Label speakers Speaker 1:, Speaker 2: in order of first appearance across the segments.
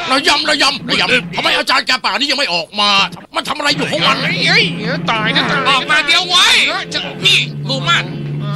Speaker 1: ระยำทำไมอาจารย์แกป่านี่ยังไม่ออกมามันทำอะไรอยู่ของมัน
Speaker 2: เฮ้ยตายนะ
Speaker 3: ออกมาเดี๋ยวไว้นี่ลูกมัน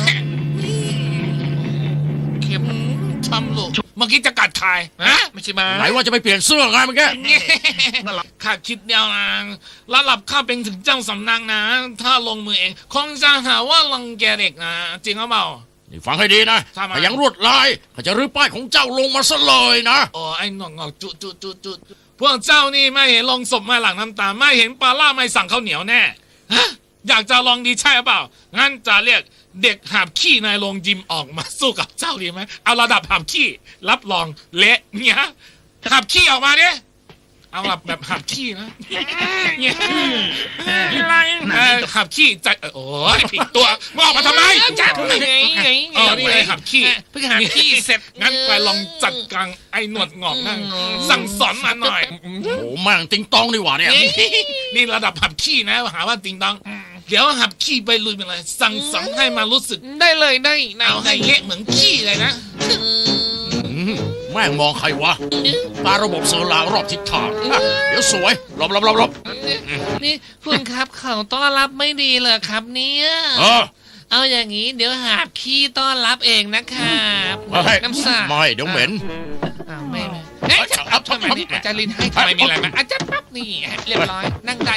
Speaker 3: เข็มทำลูกเมื่อกี้จะกัดใครฮะไม่ใช่มา
Speaker 1: ไหนว่าจะไปเปลี่ยนเสื้อไงเมื่อกี้
Speaker 3: ข้าคิดเดียวนะระดับข้าเป็นถึงเจ้าสำนักนะถ้าลงมือเองคงจะหาว่ารังแกเด็กนะจริงหรือเปล่า
Speaker 1: นี่ฟังให้ดีนะ
Speaker 3: ทำไม
Speaker 1: ถ้ายังรวดลายข้าจะรื้อป้ายของเจ้าลงมาซะเลยนะ
Speaker 3: โอ้ไอ้หนอกจุพวกเจ้านี่ไม่เห็นลงศพไม่หลังน้ำตาไม่เห็นปลาล่าไม่สั่งข้าวเหนียวแน่ฮะอยากจะลองดีใช่หรือเปล่างั้นจะเรียกเด็กหาบขี้ในโรงยิมออกมาสู้กับเจ้าดีไหมเอาระดับหาบขี้รับรองเละเนี่ยหาบขี้ออกมาเนี่ยเอาแบบหาบขี้นะเนี่ยอะไรหาบขี้ใจโอ้ยผิดตัวมึงออกมาทำไมจัดนี่เลยหาบขี้เพิ่งหาบขี้เสร็จงั้นไปลองจัดการไอ้หนวดงอกนั่งสั่งสอนมาหน่อย
Speaker 1: โอ้โหแม่งติงตองนี่หว่าเนี่ย
Speaker 3: นี่ระดับหับขี้นะหาว่าติงตองเดี๋ยวหับขี้ไปลุยไปเลยสั่งสอนให้มารู้สึก
Speaker 2: ได้เลยได้
Speaker 3: เอาให้เละเหมือนขี้เลยนะ
Speaker 1: แม่งมองใครวะตาระบบเซอร์ราวรอบทิศทางเดี๋ยวสวยหลบ
Speaker 2: นี่คุณครับเขาต้อนรับไม่ดีเลยครับเนี่ย เอาอย่างนี้เดี๋ยวหาบขี้ต้อนรับเองนะครับน้ำสา
Speaker 1: ไม่เดี๋ยวเหม็น
Speaker 2: ไม่เฮ้ยทำไมนี่อาจารย์ลินให้ทำไมมีอะไรไหมอาจารย์ปั๊บนี่เรียบร้อยนั่งได้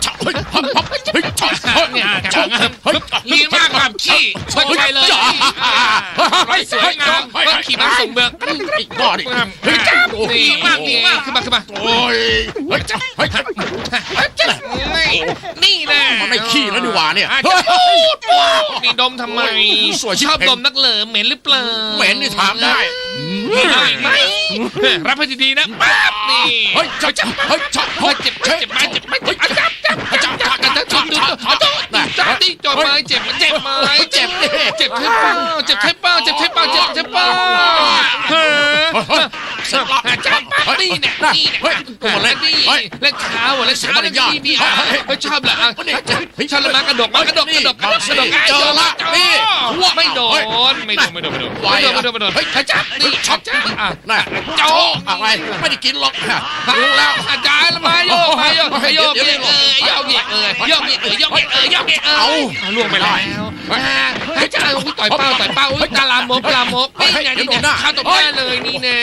Speaker 2: เนี่ย
Speaker 3: ลีมากหับขี้ชนไปเลยสวยงาม
Speaker 2: ขี่ม้าส่งเบือง
Speaker 1: อีกบ้าดิ
Speaker 2: ดีมากขึ้นมา
Speaker 1: โอ้ย
Speaker 2: นี่นะ
Speaker 1: มันไม่ขี้แล้วดีกว่าเนี่ย
Speaker 2: นี่ดมทำไมชอบดมนักเหลิมเหม็นหรือเปล่า
Speaker 1: เหม็นนี่ถามได้
Speaker 2: ไหมรับให้ดีๆนะปั๊บนี่
Speaker 1: เฮ้ยจับ
Speaker 2: เจ็บที่จดไม้เจ็บเจ็บใช่เปล่าเจ็บเปล่าจับนี่เนี่ยและขาและขาและนี่ชอบเหรอชอบละมากระดก
Speaker 1: เจอละนี่
Speaker 2: ไม่โดนจับนี่จับ
Speaker 1: น่ะโจ๊กอะไรไม่ได้กินหรอกรู้แล้ว
Speaker 2: อาจารย์มาโยกเอาล่วงไปแล้วอาจารย์ต่อยเป้ากาลามกนี่ไงนี่เนี่ยข้าตบได้เลยนี่แน่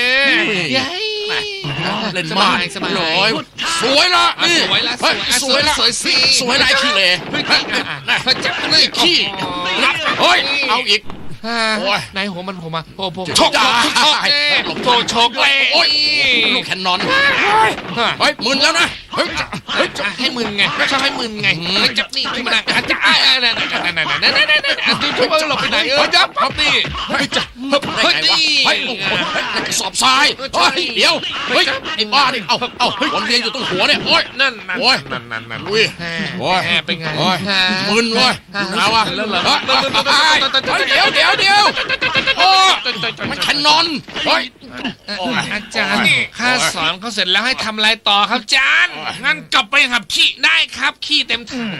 Speaker 1: เล่นมากสวยละนี่สวยละขี้เลย
Speaker 2: จับเลยขี้
Speaker 1: เฮ้ยเอาอีก
Speaker 2: ในหัวมันผมมาโอ้โหชกเลย
Speaker 1: โอ้ยลูกแคนนอนเฮ้ยมึนแล้วนะเฮ้ย
Speaker 2: ให้มึนไงชอบให้มึนไงจับนี่ขึ้นมาจับช่วยหลบไปไหนจับนี่
Speaker 1: จับได้ไงวะเฮ้ยกระสอบทรายเดี๋ยวเฮ้ยไอ้บ้านี่เอาวนเวียนอยู่ตรงหัวเนี่ยโอ้ย
Speaker 2: นั่น
Speaker 1: อุ้ยโอ้ย
Speaker 2: เป็นไง
Speaker 1: มึนเว้ยเอาวะเดี๋ยวโอ้มันแคนนอนเฮ้ย
Speaker 2: อาจารย์ข้าสอนเขาเสร็จแล้วให้ทำอะไรต่อครับอาจารย์
Speaker 3: งั้นกลับไปหับขี้
Speaker 2: ได้ครับขี้เต็มถัง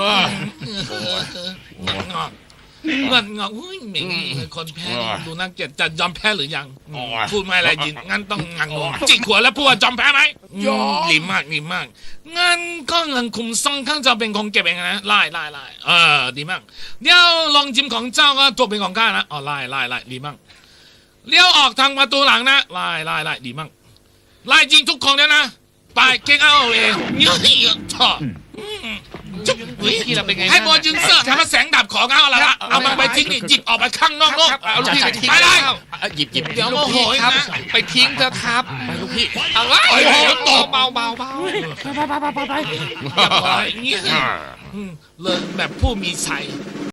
Speaker 3: เงินอุ้ยเหม่งคนแพ้ดูน่าเกลียดจะยอมแพ้หรือยังพูดไม่อะไรยินงั้นต้องงังจิกหัวแล้วพูดว่ายอมแพ้ไหมดีมากงั้นก็เงินคุมซ่องข้างจะเป็นของเก็บเองนะไล่ดีมากเดี๋ยวลองจิ้มของเจ้าก็ตัวเป็นของข้านะไล่ดีมากเลี้ยวออกทางประตูหลังนะไล่ดีมากไล่จริงทุกคนแล้วนะไปเก่งเอาเองเยอะๆต่อ
Speaker 2: ที่เราเป็นไง
Speaker 3: ให้บอลยืนเสื้อทำแสงดับของเอาละเอามันไปทิ้งนี่หยิบออกไปข้างนอก
Speaker 2: เอาลูกพี่ไปทิ้ง
Speaker 3: ไปเลย
Speaker 1: หยิบ
Speaker 3: เดี๋ยวโมโห
Speaker 2: ครับไปทิ้งเถอะครับ
Speaker 1: ไปลูกพี่
Speaker 2: เอาไว้ตบเบา
Speaker 3: ไปเลินแบบผู้มีชัย